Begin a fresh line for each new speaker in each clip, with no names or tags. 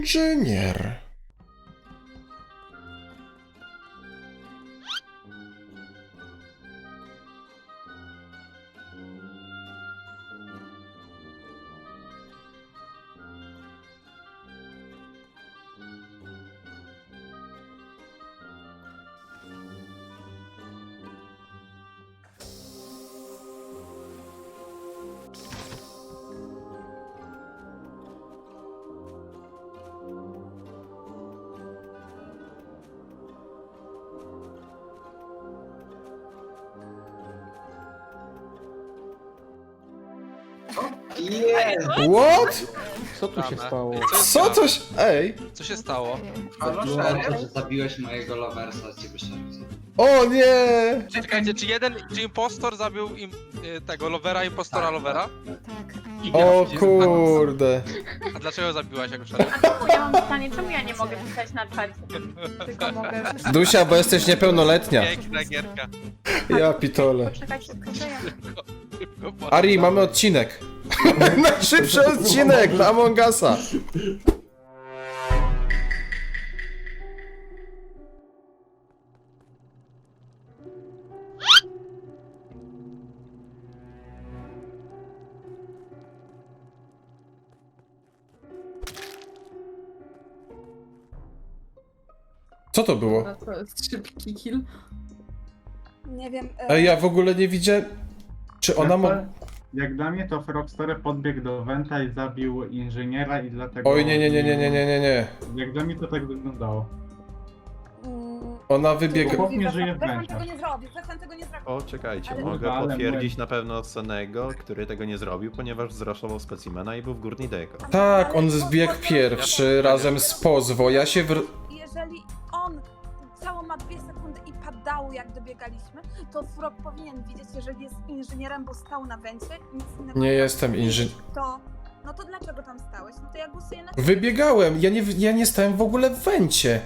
inżynier. What?
Co tu się stało?
Co coś? Ej!
Co się stało?
Halo, szeryf, że zabiłeś mojego loversa, z ciebie szeryf.
O nie!
Czekajcie, czy impostor zabił tego lovera, impostora lovera?
Tak.
O kurde.
A dlaczego zabiłaś jako szeryf?
A czemu ja mam pytanie, czemu ja nie mogę pisać na czacie? Tylko mogę...
Dusia, bo jesteś niepełnoletnia.
Piękna gierka.
Ja pitole.
Poczekać szybko, że ja...
Ari, mamy odcinek. Najszybszy odcinek na Among Usa. Co to było?
No to jest szybki kill.
Nie wiem.
Ej, ja w ogóle nie widzę. Czy ona ma...
Jak dla mnie to Frogster podbiegł do Wenta i zabił inżyniera i dlatego...
Oj, nie.
Jak dla mnie to tak wyglądało.
Ona wybiegła...
Chłop nie żyje w
Zefran
Wencie.
tego nie zrobił, Zefran tego nie zrobił.
O, czekajcie,
Ale-
mogę
Ale
potwierdzić
my-
na pewno Senego, który tego nie zrobił, ponieważ zraszował specimena i był w górnej deko.
Tak, on zbiegł pierwszy razem z Pozwo. Ja się
Jeżeli on całą ma 2 sekundy i padało jak dobiegaliśmy, to Frog powinien widzieć, jeżeli jest inżynierem, bo stał na Wencie, nic innego
Nie
robił.
jestem inżynierem.
To... No to dlaczego tam stałeś? No to ja głosuję na...
Wybiegałem, ja nie stałem w ogóle w Wencie.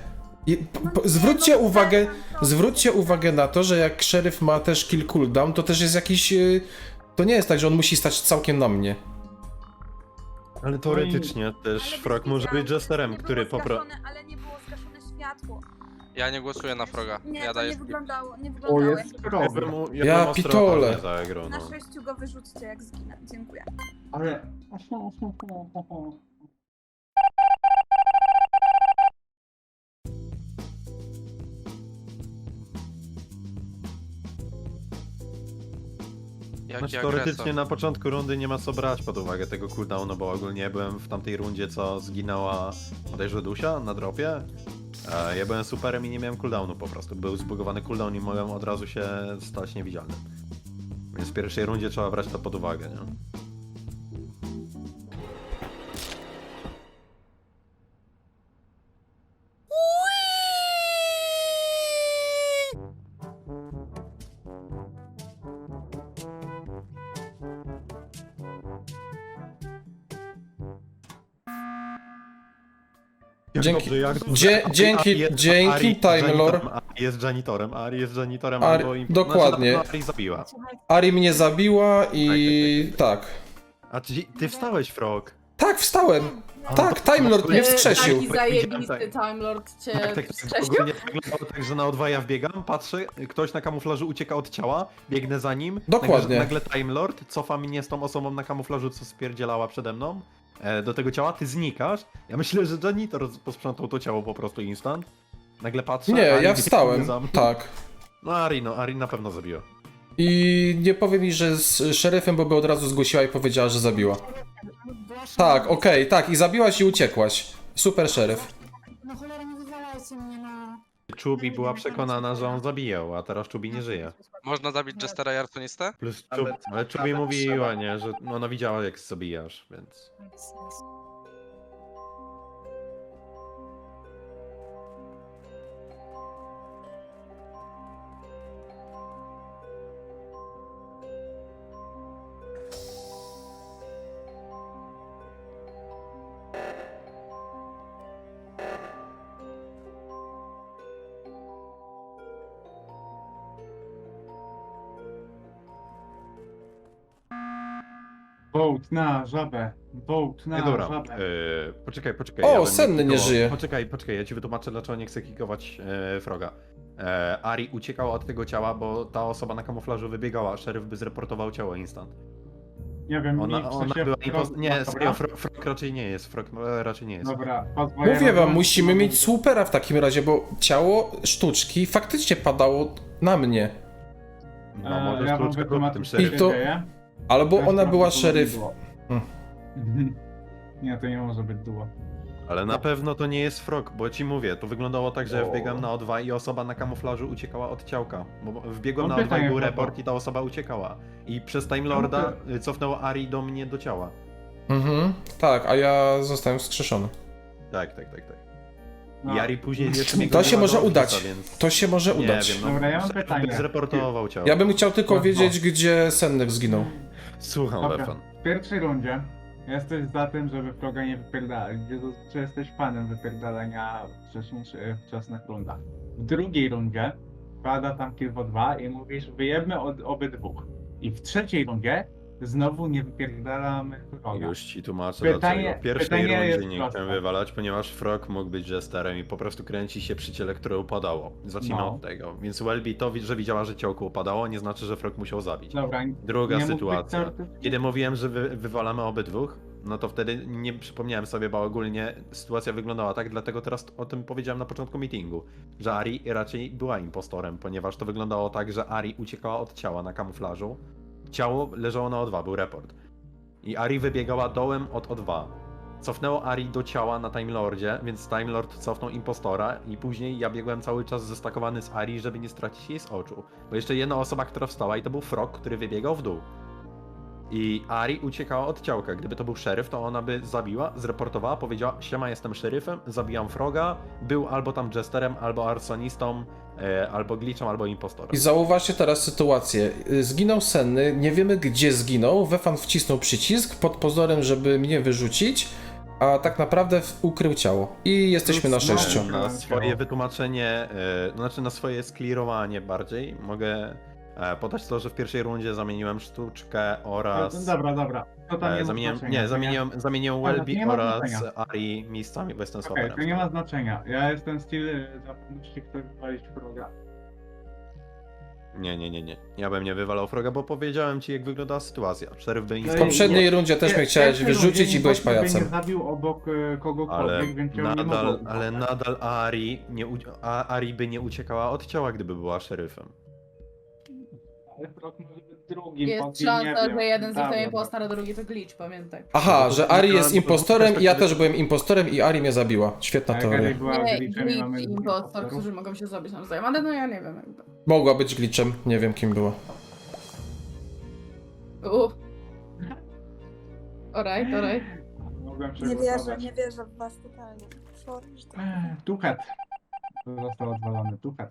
Zwróćcie uwagę na to, że jak szeryf ma też kill cooldown, to też jest jakiś... To nie jest tak, że on musi stać całkiem na mnie.
Ale teoretycznie też
Ale
Frog może
widziałam,
być jesterem,
nie
który
było
po prostu...
zgaszone, ale nie było zgaszone światło.
Ja nie głosuję na Froga.
Nie,
Ja
to
daję
nie
skip.
wyglądało, nie
O,
wyglądało.
jest problem.
Ja pitole.
Za grę,
Na
no.
6 go wyrzućcie jak zginę. Dziękuję.
Ale...
Jaki
Znaczy teoretycznie
agresor.
na początku rundy nie ma co brać pod uwagę tego cooldownu, bo ogólnie byłem w tamtej rundzie, co zginęła bodajże Dusia na dropie. Ja byłem superem i nie miałem cooldownu po prostu. Był zbugowany cooldown i mogłem od razu się stać niewidzialnym. Więc w pierwszej rundzie trzeba brać to pod uwagę, nie? Jak
Dzięki-
dobrze, jak dobrze.
dzięki, Time Lord.
Ari jest janitorem, Ari jest janitorem
Ari-
albo im...
dokładnie.
Znaczy, Ari zabiła.
Ari mnie zabiła i... tak.
A ty wstałeś, Frog.
Tak, wstałem. Tak, Time Lord mnie wskrzesił.
Taki zajebisty Time Lord cię
Tak,
wskrzesił.
ogólnie wyglądało tak, że na O2 ja wbiegam, patrzę, ktoś na kamuflażu ucieka od ciała, biegnę za nim.
Dokładnie.
Nagle Time Lord cofa mnie z tą osobą na kamuflażu, co spierdzielała przede mną. Do tego ciała, ty znikasz. Ja myślę, że janitor posprzątał to ciało po prostu instant. Nagle patrzę.
Nie,
Ari
ja
biegnie
wstałem.
za mną.
Tak.
No Ari na pewno zabiła.
I nie powie mi, że z szeryfem, bo by od razu zgłosiła i powiedziała, że zabiła. Tak, okej, tak, i zabiłaś i uciekłaś. Super szeryf.
No cholera, nie wywalajcie mnie, no.
Czubi była przekonana, że on zabijał, a teraz Czubi nie żyje.
Można zabić Jestera i Arsonistę?
Plus ale Czubi mówiła, nie, że ona widziała jak zabijasz, więc...
Vote na żabę. Vote na
Dobra,
żabę.
poczekaj.
O,
ja bym
Senny nie
kikował-
żyje.
Poczekaj, ja ci wytłumaczę, dlaczego nie chcę kikować Froga. Ari uciekał od tego ciała, bo ta osoba na kamuflażu wybiegała, szeryf by zreportował ciało instant.
Nie wiem,
Ona
w sensie
była
Frog-
Nie,
dobra?
serio, Frog raczej nie jest, raczej nie jest.
Dobra, pozwolę
Mówię wam,
na-
musimy mieć supera w takim razie, bo ciało sztuczki faktycznie padało na mnie.
No możesz
ja wam
kluczkę
wytłumaczę,
tym
co
I
się
szeryfem.
to-
dzieje.
Albo
Teraz
ona była
prawdopodobnie
szeryf.
było.
Hmm.
Nie, to nie może być duo.
Ale na pewno to nie jest Frog, bo ci mówię, to wyglądało tak, że ja wbiegam na O2 i osoba na kamuflażu uciekała od ciałka. Bo wbiegłem
Mam
na O2 i
pytanie,
był
Paweł.
report i ta osoba uciekała. I przez Time Lorda cofnęło Ari do mnie do ciała.
Mhm, tak, a ja zostałem wskrzeszony.
Tak.
No.
I Ari później jeszcze mnie
To się
goniła
może
do
udać.
Office'a, więc...
To się może
Nie
udać.
wiem, no,
Dobra, ja mam
szeryf
pytanie.
by zreportował ciało.
Ja bym chciał tylko
No.
wiedzieć, gdzie Sennek zginął.
Słucham,
Dobra,
Lefan.
w pierwszej rundzie jesteś za tym, żeby Froga nie wypierdalać, gdzie zazwyczaj jesteś fanem wypierdalania w wczesnych rundach. W drugiej rundzie pada tam kill w 2 i mówisz, wyjebmy od obydwóch. I w trzeciej rundzie znowu nie wypierdalamy Froga.
Już ci tłumaczę
Pytanie-
dlaczego. W pierwszej
pytanie
rundzie
jest
nie
proste.
chciałem wywalać, ponieważ Frog mógł być jesterem i po prostu kręci się przy ciele, które upadało. Zacznijmy
No.
od tego. Więc Welby to, że widziała, że ciałko upadało, nie znaczy, że Frog musiał zabić.
Dobra,
Druga
nie mógł być
sytuacja.
teoretycznie?
Kiedy mówiłem, że wywalamy obydwóch, no to wtedy nie przypomniałem sobie, bo ogólnie sytuacja wyglądała tak, dlatego teraz o tym powiedziałem na początku meetingu, że Ari raczej była impostorem, ponieważ to wyglądało tak, że Ari uciekała od ciała na kamuflażu, ciało leżało na O2, był report. I Ari wybiegała dołem od O2. Cofnęło Ari do ciała na Time Lordzie, więc Time Lord cofnął impostora i później ja biegłem cały czas zestakowany z Ari, żeby nie stracić jej z oczu. Bo jeszcze jedna osoba, która wstała i to był Frog, który wybiegał w dół. I Ari uciekała od ciałka. Gdyby to był szeryf, to ona by zabiła, zreportowała, powiedziała: siema, jestem szeryfem, zabijam Froga, był albo tam jesterem, albo arsonistą, albo glitchem, albo impostorem.
I zauważcie teraz sytuację. Zginął Senny, nie wiemy gdzie zginął, Wefan wcisnął przycisk pod pozorem, żeby mnie wyrzucić, a tak naprawdę ukrył ciało. I jesteśmy na 6.
Na swoje wytłumaczenie, znaczy na swoje sklirowanie bardziej, mogę podać to, że w pierwszej rundzie zamieniłem sztuczkę oraz...
Dobra. To tam nie ma
Zamieniłem,
znaczenia.
nie, zamieniłem
Ale to
Welby
nie ma
oraz
znaczenia.
Ari miejscami, bo jestem
Okej,
swaperem.
to nie ma znaczenia. Ja jestem styl za pomocnik, który wywalić Froga.
Nie. Ja bym nie wywalał Froga, bo powiedziałem ci, jak wyglądała sytuacja. Szeryf by
W
instant...
poprzedniej rundzie też mnie chciałeś
Pierwszej
wyrzucić
rundzie
i byłeś
nikt by
pajacem.
nie zabił obok kogokolwiek,
Ale
więc ją nie
nadal,
mogło
ale
uznać.
nadal Ari by nie uciekała od ciała, gdyby była szeryfem.
Ale Frog może być drugim.
Jest
Podwin, nie
szansa,
wiem.
że jeden z nich to
Dobra.
impostor, a drugi to glitch, pamiętaj.
Aha, że Ari jest
Bo-
impostorem i ja
perspektywy-
też byłem impostorem i Ari mnie zabiła. Świetna
Tak, Ari
teoria.
była
Nie,
glitchem i mamy
glitch i
dwóch
impostor,
impostorów.
którzy mogą się zabić nawzajem, ale no ja nie wiem jakby.
Mogła być glitchem, nie wiem kim była.
Alright.
Mogłem
Nie
przegłosować.
wierzę w was totalnie. Sorry, że tak.
Tuchet. To został odwalony. Tuchet.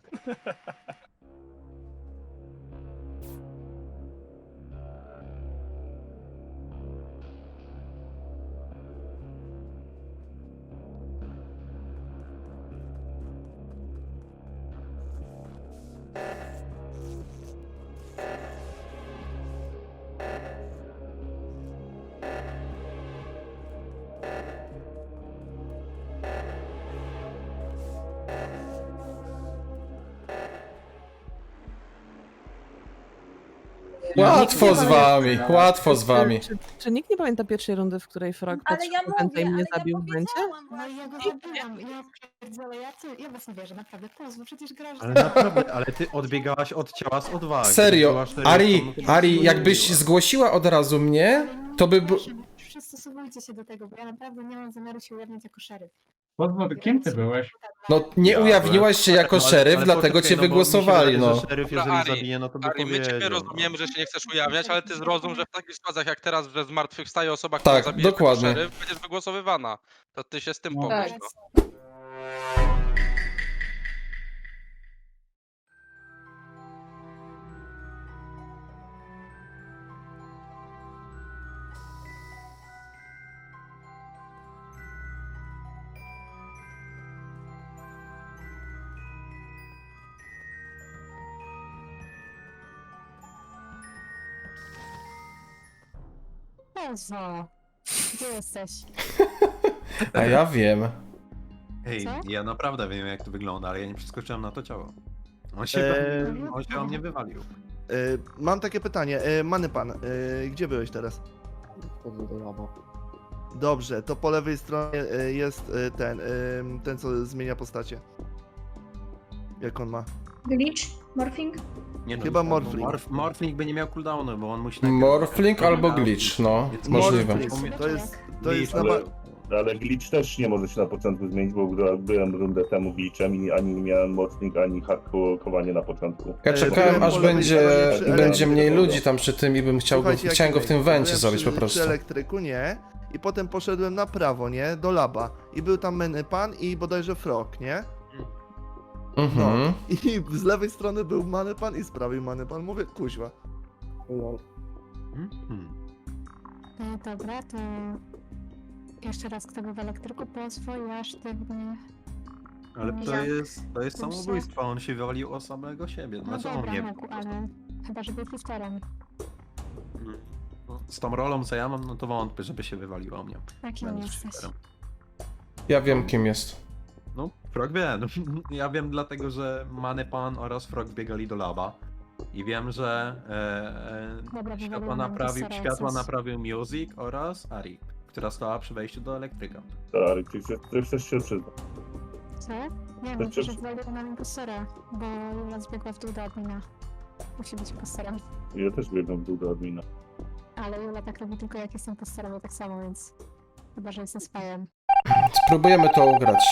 Łatwo z wami, łatwo z wami.
Czy nikt nie pamięta pierwszej rundy, w której Frog
Ale
patrzył
ja
na Wenta i
mówię,
mnie
ale
zabił
ja
w Wencie?
powiedziałam
No i ja go
właśnie.
zabiłam, ja pierdzielę, ja was nie wierzę, naprawdę, Kozło, przecież grasz
Ale naprawdę, ale ty odbiegałaś od ciała z O2.
Serio, Ari, jakbyś zgłosiła od razu mnie, to by...
Przystosowujcie się do tego, bo ja naprawdę nie mam zamiaru się ujawniać jako szeryf.
Kim ty byłeś?
No nie
Ja
ujawniłaś się jako
ale-
szeryf,
ale
dlatego
poczekaj,
cię
no bo mi się
wygłosowali,
wydaje,
no.
że szeryf,
Dobra,
jeżeli
Ari,
zabije, no to by
Ari, my ciebie
powiedział,
rozumiemy, że się nie chcesz ujawniać, ale ty zrozum, że w takich sytuacjach jak teraz, że zmartwychwstaje osoba,
Tak,
która zabije
dokładnie.
szeryf, będziesz wygłosowywana. To ty się z tym
No.
pomóż.
Tak.
No.
Kozło. Gdzie jesteś?
A ja wiem.
Hej,
Co?
ja naprawdę wiem jak to wygląda, ale ja nie przeskoczyłem na to ciało. On się o mnie wywalił.
Mam takie pytanie. Many pan, gdzie byłeś teraz?
Wchodzę do laba.
Dobrze, to po lewej stronie jest ten co zmienia postacie. Jak on ma?
Glitch? Morphing?
Nie, no,
Chyba
bo
Morphling.
Morphling by nie miał cooldownu, bo on musi... najpierw-
Morphling albo glitch, no.
Więc
Możliwe.
Morphling. To jest na
Glitch,
Ale glitch też nie może się na początku zmienić, bo byłem rundę temu glitchem i ani nie miałem mocnik, ani hakowanie na początku.
Ja czekałem,
byłem
aż
po lewej
będzie,
stronie przy
będzie mniej
elektryku.
ludzi tam przy tym i bym
Słuchajcie, jak
chciałem go w tym
byłem
wencie zrobić po
przy
prostu.
elektryku, nie? I potem poszedłem na prawo, nie? Do laba. I był tam Many pan i bodajże Frog, nie?
Mhm.
I z lewej strony był Many pan i z prawej Many pan. Mówię, kuźwa.
Dobra, to jeszcze raz kto był w elektryku, pozwól, ja sztywnie.
Ale to
Ja.
jest
Muszę.
samobójstwo, on się wywalił o samego siebie.
No
Znaczy on
dobra,
nie.
mógł, ale chyba, że był shifterem.
Z tą rolą co ja mam, no to wątpię, żeby się wywaliło o mnie.
Jakim
Będąc
jesteś?
shifterem.
Ja wiem, kim jest.
No, Frog wie. No, ja wiem dlatego, że Many Pan oraz Frog biegali do laba. I wiem, że
Dobra,
światła
wywaliło nam
światła
Sorosy.
naprawił Music oraz Ari, która stała przy wejściu do elektryka.
Tak, ty chcesz się przyznać.
Co? Nie,
To
no
czy-
że wywaliło nam impostora, bo Jula zbiegła w dół do admina. Musi być impostorem.
Ja też biegam w dół do admina.
Ale Jula tak robi tylko jak jest impostorem, ja tak samo, więc... Chyba, że jestem spajem.
Spróbujemy to ugrać.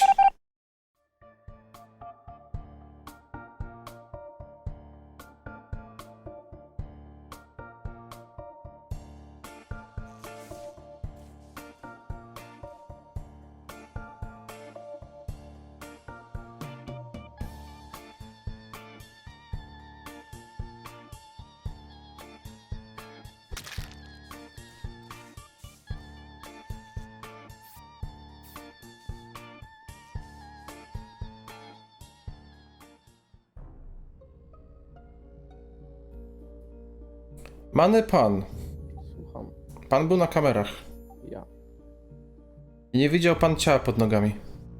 Many pan.
Słucham.
Pan był na kamerach.
Ja.
I nie widział pan ciała pod nogami.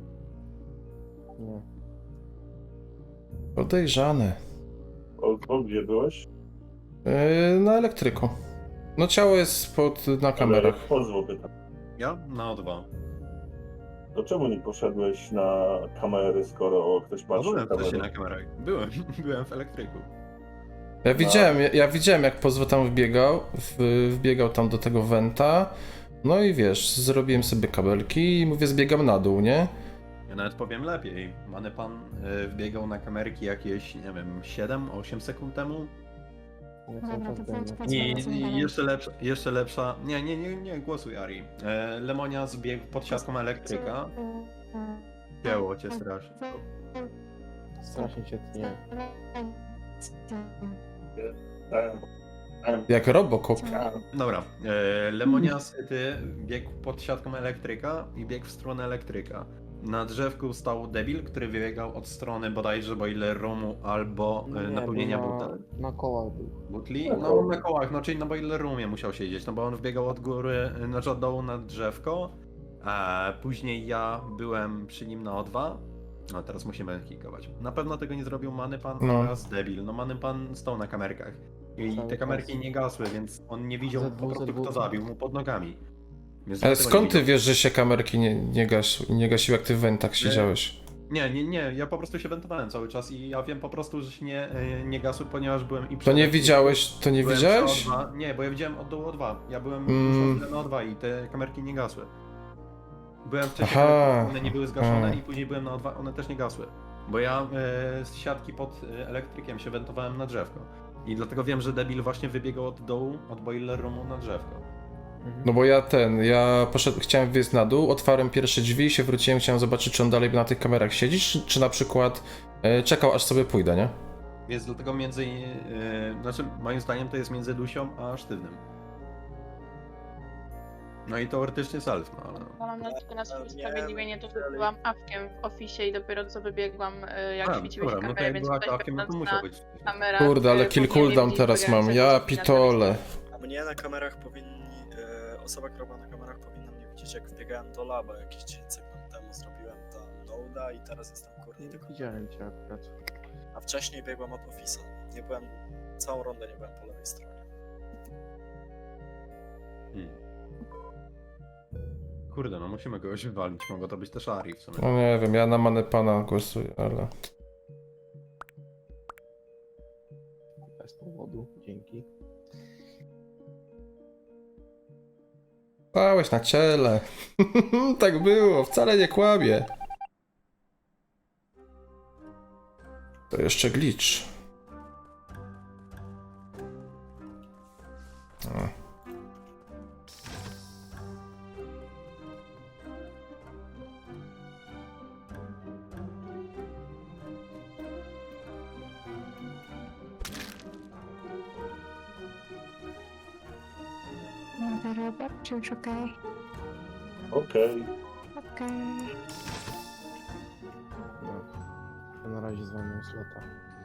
Nie.
Podejrzane.
O gdzie byłeś?
Na elektryku. No ciało jest na kamerach.
Pozwól pytam.
Ja? Na O2.
To czemu nie poszedłeś na kamery, skoro ktoś
No,
patrzy na
byłem wcześniej na
kamerę?
kamerach. Byłem w elektryku.
Ja widziałem jak Pozwo tam wbiegał tam do tego wenta. No i wiesz, zrobiłem sobie kabelki i mówię, zbiegam na dół, nie?
Ja nawet powiem lepiej. Many Pan wbiegał na kamerki jakieś, nie wiem, 7-8 sekund temu.
Dobra, to chodź,
I jeszcze lepsza. Nie, głosuj Ari. Lemonia zbiegł pod siatką elektryka. Ciało cię strasznie.
Strasznie cię tnie.
Jak Robocop.
Dobra, Lemonia syty biegł pod siatką elektryka i biegł w stronę elektryka. Na drzewku stał debil, który wybiegał od strony bodajże boiler roomu albo napełnienia
Na kołach był.
butli. No na kołach, no czyli na boiler roomie musiał siedzieć, no bo on wbiegał od góry, znaczy od dołu na drzewko. A później ja byłem przy nim na O2. No teraz musimy kikować. Na pewno tego nie zrobił Many Pan
No.
oraz debil. No Many Pan stał na kamerkach. I
Cały
te kamerki
czas.
nie gasły, więc on nie widział
ZW,
po prostu kto zabił mu pod nogami. Więc
Ale
dlatego
skąd
nie
ty
widział.
wiesz, że się kamerki nie gasiły, jak ty w wentach siedziałeś?
Nie, ja po prostu się wentowałem cały czas i ja wiem po prostu, że się nie gasły, ponieważ byłem i
To nie widziałeś? To nie
byłem
widziałeś?
przy O2. Nie, bo ja widziałem od dołu O2. Ja byłem już na O2 i te kamerki nie gasły. Byłem wcześniej,
Aha.
one nie były zgaszone
A.
i później byłem na O2, one też nie gasły. Bo ja z siatki pod elektrykiem się wentowałem na drzewko. I dlatego wiem, że debil właśnie wybiegał od dołu, od boiler roomu na drzewko.
No bo ja chciałem wyjść na dół, otwarłem pierwsze drzwi i się wróciłem, chciałem zobaczyć, czy on dalej na tych kamerach siedzi, czy na przykład czekał, aż sobie pójdę, nie?
Więc dlatego znaczy moim zdaniem to jest między Lusią a Sztywnym. No i teoretycznie self, no ale...
Mam na tylko na swoje sprawiedliwienie, to byłam awkiem w ofisie i dopiero co wybiegłam, jak świeciłeś
dobra, no to
kamerę,
jak
więc
była
ktoś
kawkiem, no to
będąc
musiał
na
być.
kamerach...
Kurde, ale kill
powinien
cooldown
wiedzieć,
teraz
bo
mam,
jak
ja
coś
pitole.
Mnie na kamerach powinni, osoba, która była na kamerach powinna zobaczyć, jak wbiegałem do laba jakieś 10 sekund temu, zrobiłem tam noda i teraz jestem kurnie tylko.
Widziałem cię akurat.
A wcześniej biegłem od Office'a. Nie byłem, całą rundę nie byłem po lewej stronie.
Kurde, no musimy kogoś wywalić, mogło to być też Ari w sumie.
No nie wiem, ja na Manepana głosuję, ale...
Bez powodu, dzięki.
Stałeś na ciele. Tak było, wcale nie kłamie. To jeszcze glitch. O.
Dobra, Robert, czy już okej?
Okej.
Okej.
No, na razie zwolnię slota.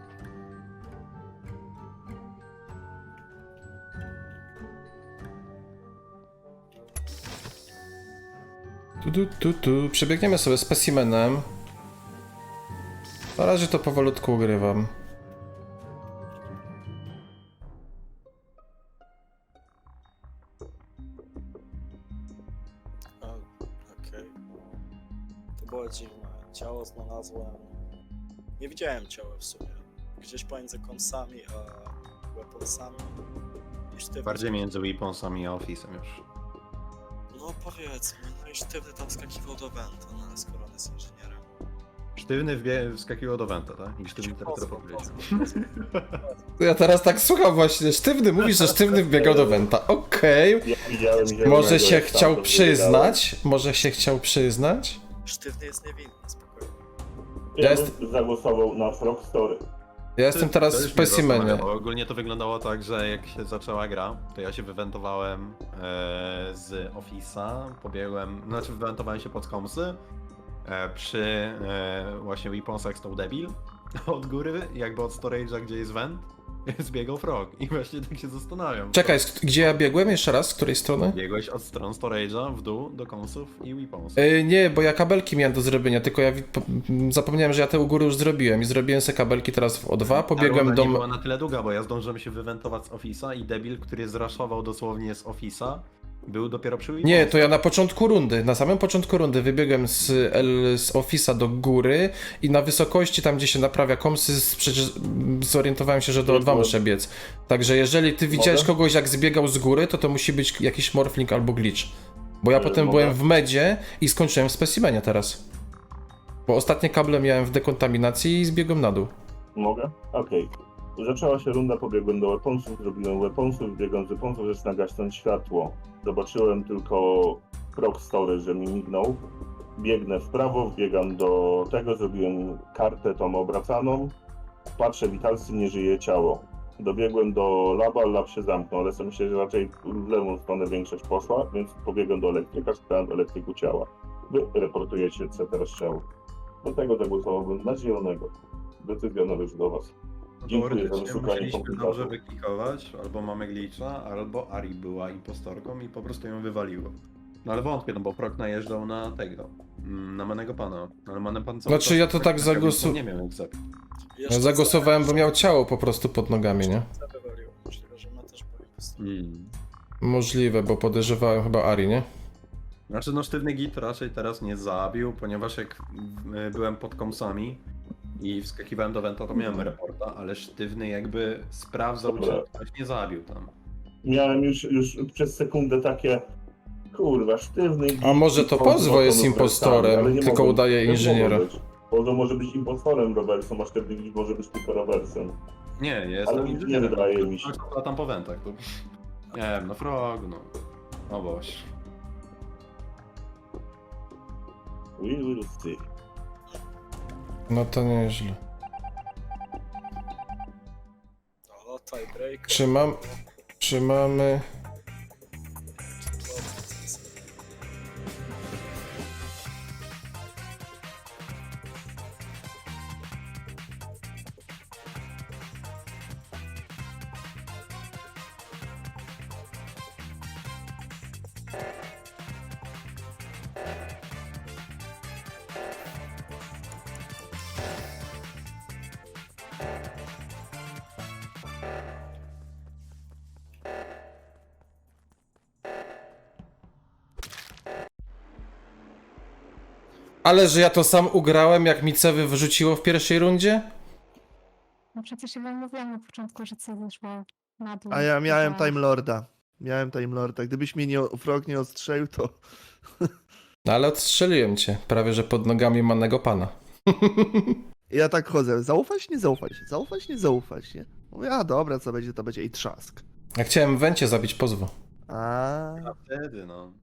Przebiegniemy sobie specimenem. Na razie to powolutku ugrywam.
Okej. To było dziwne. Ciało znalazłem. Nie widziałem ciała w sumie. Gdzieś pomiędzy kąsami a weaponsami. I sztywny.
Bardziej między Weaponsami a Office'em już.
No powiedzmy, no i sztywny tam skakiwał do Venta, no ale skoro on jest inżynierem.
Sztywny wskakiwał do Venta, tak? I sztywny teraz powiedział.
Ja teraz tak słucham właśnie. Sztywny mówi, że sztywny wbiegał do Wenta. Okej.
Ja widziałem zielonego,
Może się
jak
chciał
stamtąd
przyznać? Może się chciał przyznać?
Sztywny jest niewinny, spokojnie.
Ja
Ja
bym zagłosował na Frog Story.
Ja jestem teraz w
To już mnie
specimenie.
zastanawia, bo ogólnie to wyglądało tak, że jak się zaczęła gra, to ja się wywentowałem z Office'a, pobiegłem, znaczy wywentowałem się pod komsy, przy właśnie Weaponsach stał debil, od góry, jakby od storage'a, gdzie jest vent, zbiegał frog i właśnie tak się zastanawiam.
Czekaj, gdzie ja biegłem? Jeszcze raz? Z której strony?
Biegłeś od stron storage'a w dół do komsów i Weaponsów.
Nie, bo ja kabelki miałem do zrobienia, tylko ja zapomniałem, że ja te u góry już zrobiłem i zrobiłem sobie kabelki teraz w O2,
Ta
pobiegłem
runda
do...
nie była na tyle długa, bo ja zdążyłem się wywentować z Office'a i debil, który zraszował dosłownie z Office'a, był dopiero przy Weaponsach.
Nie, to ja na początku rundy, na samym początku rundy wybiegłem z Office'a do góry i na wysokości, tam gdzie się naprawia komsy, przecież zorientowałem się, że do O2 muszę biec. Także jeżeli ty widziałeś kogoś jak zbiegał z góry, to musi być jakiś morphling albo glitch. Bo ja potem byłem w medzie i skończyłem w specimenie teraz. Bo ostatnie kable miałem w dekontaminacji i zbiegłem na dół.
Mogę? Okej. Zaczęła się runda, pobiegłem do weaponsów, zrobiłem weaponsów, biegłem z weaponsów, zaczyna gasnąć światło. Zobaczyłem tylko Frog Story, że mi mignął. Biegnę w prawo, wbiegam do tego, zrobiłem kartę tą obracaną. Patrzę, witalcy, nie żyje ciało. Dobiegłem do laba, lab się zamknął, ale sobie myślę, że raczej w lewą stronę większość poszła, więc pobiegłem do elektryka, szukałem elektryku ciała. Wy reportujecie, co teraz ciało. Do tego zagłosowałbym na zielonego. Decyzja należy do was. Dziękuję za wyszukanie
Musieliśmy dobrze
komplikacji.
wyklikować, albo mamy glitcha, albo Ari była impostorką i po prostu ją wywaliło. No ale wątpię, no bo Frog najeżdżał na tego, na Manego Pana, ale Many Pan cały
Znaczy,
czas
ja to tak
nie miał jak zabić.
Ja zagłosowałem, bo miał ciało po prostu pod nogami, nie?
Wywalił. Możliwe, że ma też po
Możliwe, bo podejrzewałem chyba Ari, nie?
Znaczy no sztywny git raczej teraz nie zabił, ponieważ jak byłem pod komsami i wskakiwałem do Venta, to miałem reporta, ale sztywny jakby sprawdzał, czy ktoś nie zabił tam.
Miałem już przez sekundę takie, kurwa, sztywny.
A może to Pozwo jest impostorem, tylko udaje inżyniera.
Pozwo może być impostorem Robertson, a sztywny może być tylko Robertson.
Nie, jest
Ale
tam
nie
inżynierem.
wydaje mi się.
A tam po Ventach, to... Nie wiem, no Frog, no... O Boże.
We will see.
No to nieźle.
O, tiebreaker.
Trzymamy... Ale że ja to sam ugrałem, jak mi Cewy wyrzuciło w pierwszej rundzie?
No przecież ja wam mówiłam na początku, że co wyszło na dół.
A ja miałem
że-
Time Lorda. Miałem Time Lorda. Gdybyś mnie Frog nie ostrzelił, to...
No ale odstrzeliłem cię, prawie że pod nogami mannego pana.
Ja tak chodzę, zaufać, nie zaufać, zaufać, nie zaufać, nie? Mówię, a dobra, co będzie, to będzie i trzask.
Ja chciałem Wencie zabić pozwo.
A
A wtedy, no.